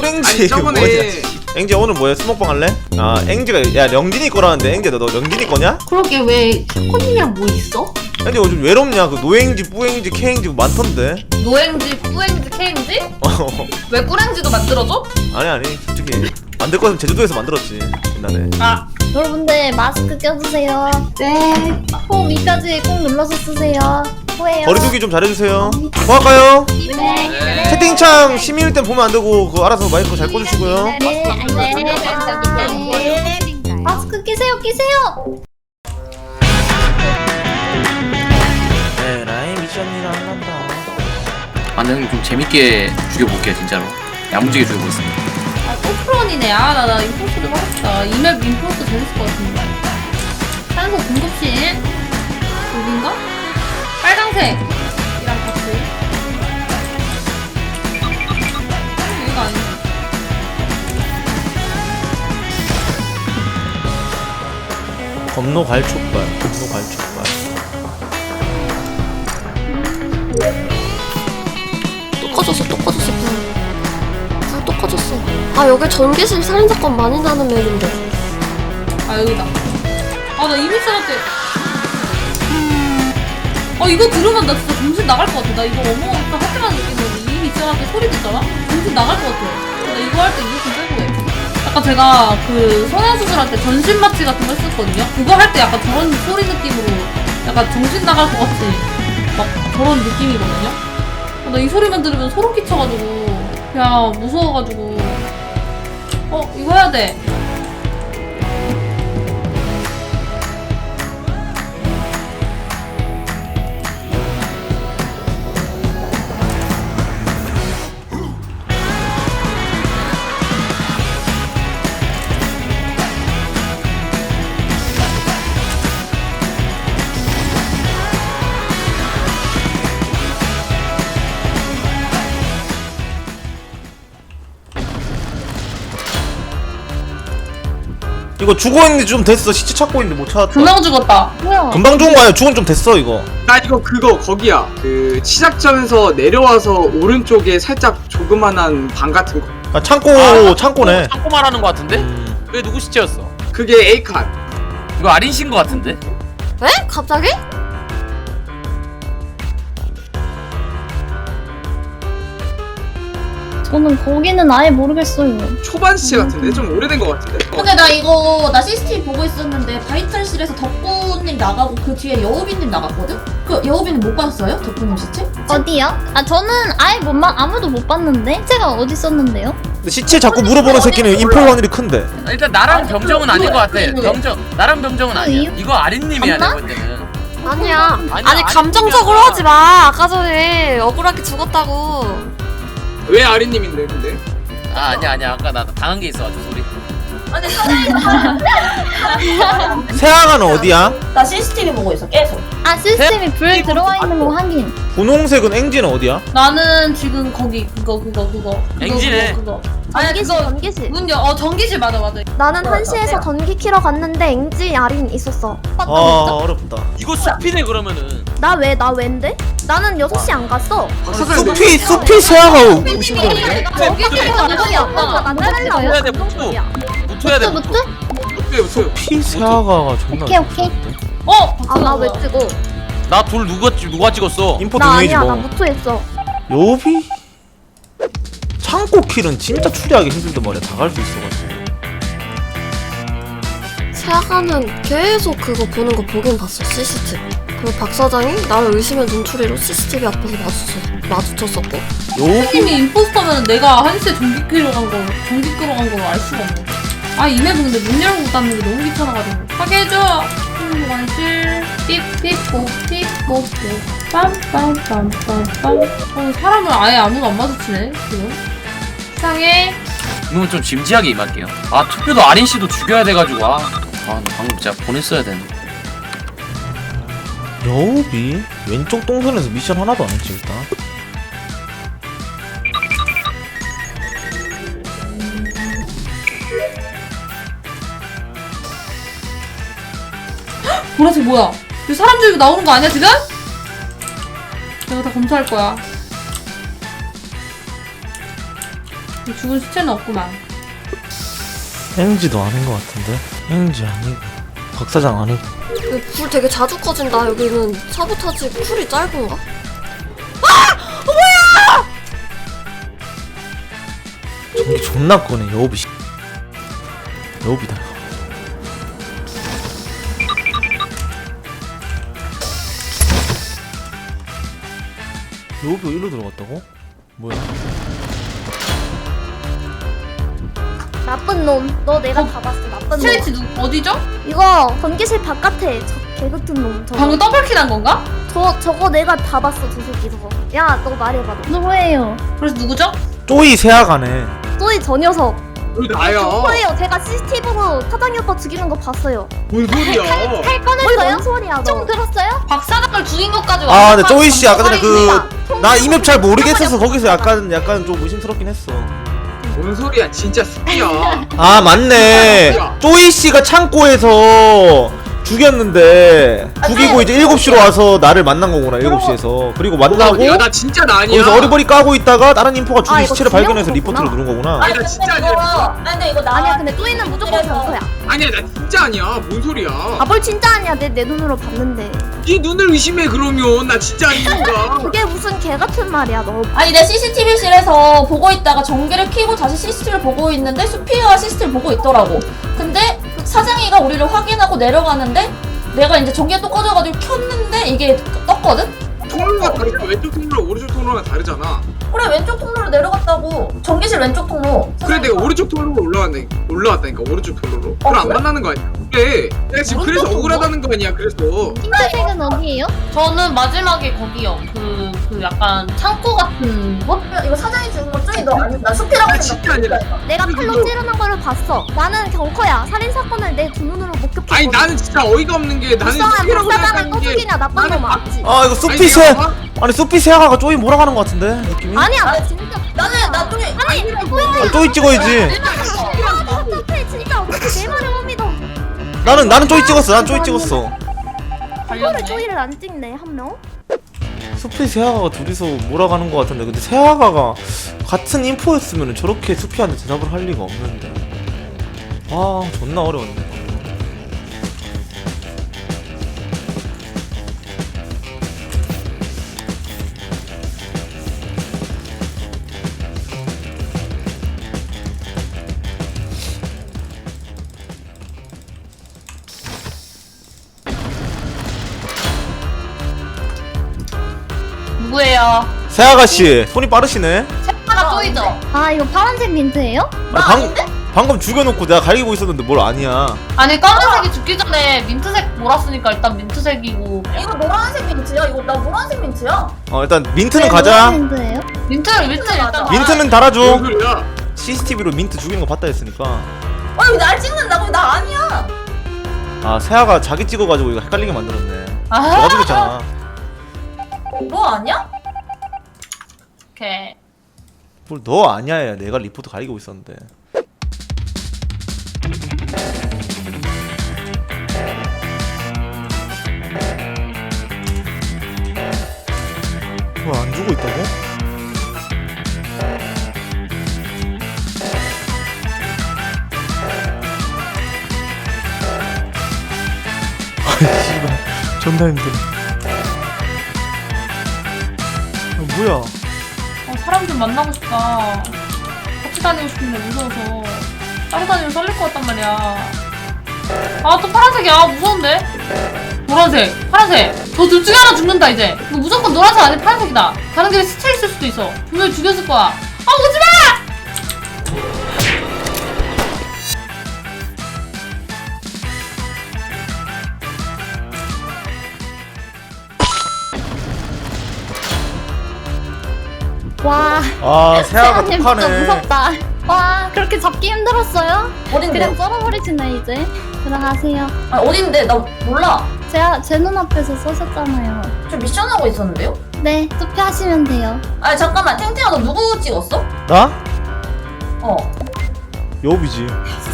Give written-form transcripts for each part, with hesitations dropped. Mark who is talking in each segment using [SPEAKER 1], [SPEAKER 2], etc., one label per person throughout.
[SPEAKER 1] 꿀eng지
[SPEAKER 2] 저번에
[SPEAKER 1] 앵지 오늘 뭐야? 스모방 할래? 아 앵지가 야 령진이 거라는데 앵지야 너 령진이 거냐?
[SPEAKER 3] 그러게 왜 샤코님이랑 뭐 있어?
[SPEAKER 1] 앵지 요즘 외롭냐? 그 노eng지 뿌eng지 케eng지 많던데.
[SPEAKER 4] 노행지, 뿌행지, 케행지? 왜 꿀행지도 만들어줘?
[SPEAKER 1] 아니 솔직히 만들 거면 제주도에서 만들었지 옛날에.
[SPEAKER 4] 아,
[SPEAKER 5] 여러분들 마스크 껴주세요.
[SPEAKER 3] 네.
[SPEAKER 5] 코 위까지 꼭 눌러서 쓰세요. 코에요.
[SPEAKER 1] 거리두기 좀 잘해주세요. 뭐 할까요?
[SPEAKER 5] 네.
[SPEAKER 1] 채팅창 심의일 땐 보면 안 되고 그거 알아서 마이크 잘 꽂으시고요.
[SPEAKER 5] 네, 알겠습니다. 마스크 끼세요.
[SPEAKER 1] 네 라인 미션이나 한다.
[SPEAKER 6] 아, 근데 형님 좀 재밌게 죽여볼게요, 진짜로. 야무지게 죽여보겠습니다.
[SPEAKER 4] 아, 또 프론이네. 아, 나 임포스도 하겠다. 이맵 임포스 재밌을 것 같은데. 산소 공급실. 여긴가? 빨강색. 이랑 같이. 여기가 아니야.
[SPEAKER 1] 검노 갈촉발.
[SPEAKER 7] 또 꺼졌어. 불 또 꺼졌어. 아, 여기 전기실 살인사건 많이 나는 맵인데.
[SPEAKER 4] 아, 여기다. 아, 나 이미 써놨대. 이거 들으면 나 진짜 정신 나갈 것 같아. 나 이거 어머니까 할 때만 느끼는 이미 써놨대 소리 듣잖아? 정신 나갈 것 같아. 나 이거 할 때 이거 좀 빼고 해. 약간 제가 그 성형수술할 때 전신 마취 같은 거 했었거든요? 그거 할 때 약간 저런 소리 느낌으로 약간 정신 나갈 것 같이 막 저런 느낌이거든요? 나 이 소리만 들으면 소름 끼쳐가지고 그냥 무서워가지고 이거 해야 돼.
[SPEAKER 1] 이거 죽어있는데 좀 됐어. 시체 찾고 있는데 못 찾았다.
[SPEAKER 4] 금방 죽었다.
[SPEAKER 5] 뭐야?
[SPEAKER 1] 금방 죽은 거 아니야? 죽은 좀 됐어 이거.
[SPEAKER 2] 나 이거 그거 거기야. 그 시작점에서 내려와서 오른쪽에 살짝 조그만한 방 같은 거.
[SPEAKER 1] 아 창고네.
[SPEAKER 6] 창고 말하는 거 같은데? 왜 누구 시체였어?
[SPEAKER 2] 그게 A 칸.
[SPEAKER 6] 이거 아린 씨인 거 같은데?
[SPEAKER 7] 왜? 갑자기?
[SPEAKER 5] 저는 거기는 아예 모르겠어요.
[SPEAKER 2] 초반 시체 같은데 좀 오래된 거 같은데.
[SPEAKER 3] 근데 나 CCTV 보고 있었는데 바이탈실에서 덕구님 나가고 그 뒤에 여우비님 나갔거든? 그 여우비님 못 봤어요? 덕구님 시체?
[SPEAKER 5] 어디요? 아 저는 아예 아무도 못 봤는데 시체가 어디 있었는데요?
[SPEAKER 1] 근데 시체 자꾸 물어보는 새끼는 인포 확률이 큰데.
[SPEAKER 6] 일단 나랑 병정은 아닌 거 같아. 나랑 병정은 아니야.
[SPEAKER 5] 왜요?
[SPEAKER 6] 이거 아린님이야,
[SPEAKER 5] 맞나?
[SPEAKER 6] 내가 볼 때는.
[SPEAKER 7] 아니야.
[SPEAKER 6] 아니야,
[SPEAKER 7] 아니, 감정적으로 하지 마. 아까 전에 억울하게 죽었다고.
[SPEAKER 2] 왜 아리님인데 근데?
[SPEAKER 6] 아니야. 아까 나 당한 게 있어가지고, 소리.
[SPEAKER 1] 세아가는 어디야?
[SPEAKER 3] 나 CCTV 보고 있어 계속.
[SPEAKER 5] 아 시스템이 불 들어와 있는 거 확인.
[SPEAKER 1] 분홍색은 앵지는 어디야?
[SPEAKER 4] 나는 지금 거기 그거.
[SPEAKER 6] 앵지네.
[SPEAKER 4] 그거. 아니 그거
[SPEAKER 7] 전기실.
[SPEAKER 4] 전기실 맞아.
[SPEAKER 7] 나는 1시에서 전기 키러 갔는데 앵지 아린 있었어.
[SPEAKER 1] 아 어렵다.
[SPEAKER 6] 이거 숲이네, 그러면은.
[SPEAKER 7] 나 웬데? 나는 6시 안 갔어.
[SPEAKER 1] 숲이 세아가 오고 싶은데.
[SPEAKER 4] 저기
[SPEAKER 7] 나 따라가려고.
[SPEAKER 6] 해야 돼, 붙어야 돼.
[SPEAKER 5] 무트?
[SPEAKER 2] 어때요?
[SPEAKER 1] 숲이 세아가가 존나.
[SPEAKER 5] 오케이.
[SPEAKER 7] 아, 나 왜 찍어?
[SPEAKER 6] 나 돌 누가 찍었어?
[SPEAKER 1] 인포
[SPEAKER 7] 나
[SPEAKER 1] 동료이지
[SPEAKER 7] 아니야. 나
[SPEAKER 1] 뭐.
[SPEAKER 7] 무투했어.
[SPEAKER 1] 요비? 창고 킬은 진짜 추리하기 힘들단 말이야. 다 갈 수 있어가지고.
[SPEAKER 7] 세아가는 계속 그거 보는 거 보긴 봤어. CCTV. 그리고 박 사장이 나를 의심의 눈초리로 CCTV 앞에서 마주쳤었고.
[SPEAKER 1] 요비?
[SPEAKER 4] 님이 임포스터면 내가 한시에 전기 끌어 간 걸 알 수가 없네. 이 맵은 근데 문 열고 닫는 게 너무 귀찮아가지고. 하게 해줘. 완실 삐삐뽀 빰빰빰빰빰. 사람을 아예 아무도 안 마주치네 지금. 이상해.
[SPEAKER 6] 이건 좀 진지하게 임할게요. 투표도 아린 씨도 죽여야 돼가지고. 나 방금 진짜 보냈어야 되는데.
[SPEAKER 1] 여우비? 왼쪽 동선에서 미션 하나도 안 했지 일단.
[SPEAKER 4] 보라색 뭐야? 이 사람 중에 나오는 거 아니야 지금? 내가 다 검사할 거야. 죽은 시체는 없구만.
[SPEAKER 1] NG도 아닌 것 같은데? NG 아니고 박사장 아니고.
[SPEAKER 7] 불 되게 자주 꺼진다. 여기는 사보타지 쿨이 짧은가?
[SPEAKER 1] 전기 존나 꺼네 여우비 씨. 여우비다. 여우비가 일로 들어갔다고? 뭐야?
[SPEAKER 5] 나쁜 놈. 너 내가 다 봤어. 나쁜 놈.
[SPEAKER 4] 스트레이치 어디죠?
[SPEAKER 5] 이거 전기실 바깥에 저 개같은 놈. 저거.
[SPEAKER 4] 방금 더블킬한 건가?
[SPEAKER 5] 저거 내가 다 봤어. 저 새끼 저거. 야, 너 말해봐. 너. 누구예요?
[SPEAKER 4] 그래서 누구죠?
[SPEAKER 1] 쪼이 세아가네.
[SPEAKER 5] 또이 저 녀석.
[SPEAKER 2] 왜 나야?
[SPEAKER 5] 저거예요. 제가 CCTV로 사장이 오빠 죽이는 거 봤어요.
[SPEAKER 2] 뭔 소리야?
[SPEAKER 5] 칼 꺼냈어요? 뭔 소리야 너. 좀 들었어요?
[SPEAKER 4] 박사장을 죽인 것까지
[SPEAKER 1] 아 근데 쪼이 씨 아까 전에
[SPEAKER 5] 아닙니다.
[SPEAKER 1] 나 이 맵 잘 모르겠어서 거기서 약간 좀 의심스럽긴 했어.
[SPEAKER 2] 뭔 소리야? 진짜 숲이야.
[SPEAKER 1] 아 맞네. 쪼이 씨가 창고에서 죽였는데 죽이고 이제 7시로 와서 나를 만난 거구나. 7시에서. 그리고 만나고
[SPEAKER 2] 야, 나 진짜 나 아니야.
[SPEAKER 1] 거기서 어리버리 까고 있다가 다른 인포가 죽인
[SPEAKER 5] 아, 이거
[SPEAKER 1] 시체를 발견해서
[SPEAKER 5] 진영
[SPEAKER 1] 리포트를
[SPEAKER 5] 거구나.
[SPEAKER 1] 누른 거구나.
[SPEAKER 2] 아니, 나 진짜 아니야.
[SPEAKER 3] 아니 근데 이거 나
[SPEAKER 5] 아니야, 근데 또이는 무조건 정서야.
[SPEAKER 2] 아니야, 나 진짜 아니야. 뭔 소리야?
[SPEAKER 5] 아, 뭘 진짜 아니야. 내 눈으로 봤는데.
[SPEAKER 2] 네 눈을 의심해 그러면 나 진짜 아니니까.
[SPEAKER 5] 그게 무슨 개 같은 말이야, 너.
[SPEAKER 3] 아니 내 CCTV실에서 보고 있다가 전기를 켜고 다시 CCTV를 보고 있는데 수피가 CCTV를 보고 있더라고. 근데 그 사장이가 우리를 확인하고 내려가는데 내가 이제 전기가 또 꺼져가지고 켰는데 이게 떴거든?
[SPEAKER 2] 통로가 다르잖아. 왼쪽 통로랑 오른쪽 통로가 다르잖아.
[SPEAKER 3] 그래 왼쪽 통로로 내려갔다고. 전기실 왼쪽 통로.
[SPEAKER 2] 그래 내가 오른쪽 통로로 올라왔다니까 오른쪽 통로로. 그럼 안
[SPEAKER 3] 그래?
[SPEAKER 2] 만나는 거 아니야? 그래. 내가 지금 그래서
[SPEAKER 3] 오른쪽
[SPEAKER 2] 억울하다는 거 아니야? 그래서.
[SPEAKER 5] 핑크색은 어디예요?
[SPEAKER 4] 저는 마지막에 거기요. 그 약간 창고 같은 곳?
[SPEAKER 3] 이거 사장이 죽은 거 쪼이 너 아니 나 수피라고
[SPEAKER 2] 아, 진짜 아니라.
[SPEAKER 5] 내가 칼로 찌르는 거를 봤어. 나는 경커야. 살인사건을 내 두 눈으로 목격했거든.
[SPEAKER 2] 아니 나는 진짜 어이가 없는 게 나는
[SPEAKER 5] 불쌍한
[SPEAKER 2] 숲이라고
[SPEAKER 5] 박사장을
[SPEAKER 2] 생각하는
[SPEAKER 5] 또
[SPEAKER 2] 게.
[SPEAKER 5] 죽이냐, 나쁜
[SPEAKER 2] 나는
[SPEAKER 5] 놈 맞지?
[SPEAKER 1] 아 이거 수피 세 아니 수피 세아가가 쪼이 몰아가는 거 같은데 느낌이?
[SPEAKER 5] 아니야, 나 진짜.
[SPEAKER 3] 나 쪼이
[SPEAKER 1] 아, 쪼이 찍어야지.
[SPEAKER 5] 어떡해, 진짜 어떻게 내 말을 못 믿어.
[SPEAKER 1] 나는 쪼이 찍었어. 난 쪼이 찍었어.
[SPEAKER 5] 이거를 쪼이를 안 찍네, 한 명?
[SPEAKER 1] 수피 세아가가 둘이서 몰아가는 거 같은데 근데 세아가가 같은 인포였으면 저렇게 수피한테 대답을 할 리가 없는데 아 존나 어려웠네.
[SPEAKER 4] 누구예요?
[SPEAKER 1] 세아가씨 손이 빠르시네.
[SPEAKER 4] 색깔가 쪼이죠?
[SPEAKER 5] 아, 이거 파란색 민트예요?
[SPEAKER 1] 아니, 방금 죽여놓고 내가 가리고 있었는데 뭘 아니야.
[SPEAKER 4] 아니 까만색이 죽기 전에 민트색 몰았으니까 일단 민트색이고.
[SPEAKER 3] 이거 노란색 민트야? 이거 나 노란색 민트야?
[SPEAKER 1] 일단 민트는
[SPEAKER 5] 네,
[SPEAKER 1] 가자.
[SPEAKER 5] 노란 민트예요?
[SPEAKER 4] 민트 일단
[SPEAKER 1] 민트는 달아줘.
[SPEAKER 2] 뭔 소리야?
[SPEAKER 1] CCTV로 민트 죽이는 거 봤다 했으니까.
[SPEAKER 3] 아니 날 찍는다고? 나 아니야.
[SPEAKER 1] 아 세아가 자기 찍어가지고 이거 헷갈리게 만들었네.
[SPEAKER 4] 아.
[SPEAKER 1] 너가 죽였잖아.
[SPEAKER 3] 너 아니야?
[SPEAKER 4] 오케이.
[SPEAKER 1] 뭘 너 아니야. 내가 리포트 가리고 있었는데. 뭐 안 주고 있다고? 아이 씨발 존나 힘들어. 뭐야?
[SPEAKER 4] 사람 좀 만나고 싶다. 같이 다니고 싶은데 무서워서 따로 다니면 썰릴 것 같단 말이야. 아 또 파란색이야. 무서운데? 노란색, 파란색. 너 둘 중에 하나 죽는다 이제. 이거 무조건 노란색 아니면 파란색이다. 가는 길에 스쳐 있을 수도 있어. 분명히 죽였을 거야. 아 오지마!
[SPEAKER 5] 와,
[SPEAKER 1] 아 세아가
[SPEAKER 5] 세아님 진짜
[SPEAKER 1] 독하네.
[SPEAKER 5] 무섭다. 와, 그렇게 잡기 힘들었어요?
[SPEAKER 3] 어딘데?
[SPEAKER 5] 그냥 썰어버리시네, 이제. 들어가세요.
[SPEAKER 3] 아 어딘데? 나 몰라.
[SPEAKER 5] 제 눈앞에서 쏘셨잖아요.
[SPEAKER 3] 저 미션 하고 있었는데요?
[SPEAKER 5] 네, 투표하시면 돼요.
[SPEAKER 3] 아니 잠깐만 탱탱아 너 누구 찍었어?
[SPEAKER 1] 나?
[SPEAKER 3] 어.
[SPEAKER 1] 여우비지.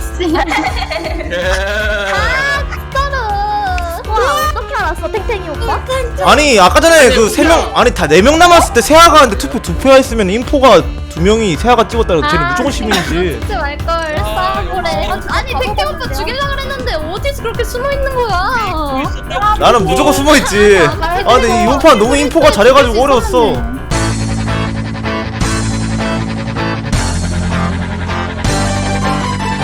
[SPEAKER 5] 서로. 와, 어떻게 알았어, 탱탱이 오빠?
[SPEAKER 1] 아니 아까 전에 그 3명 아니 다 4명 남았을 때 세아가 근데 투표 2표 했으면 인포가 두 명이 세아가 찍었다고 쟤는 무조건 시민이지.
[SPEAKER 5] 진짜 말걸 싸우래. 아니 백태 오빠 죽이려고 그랬는데 어디서 그렇게 숨어 있는 거야?
[SPEAKER 1] 나는 무조건 숨어있지. 아 근데 이 용판 너무 인포가 잘해가지고 어려웠어.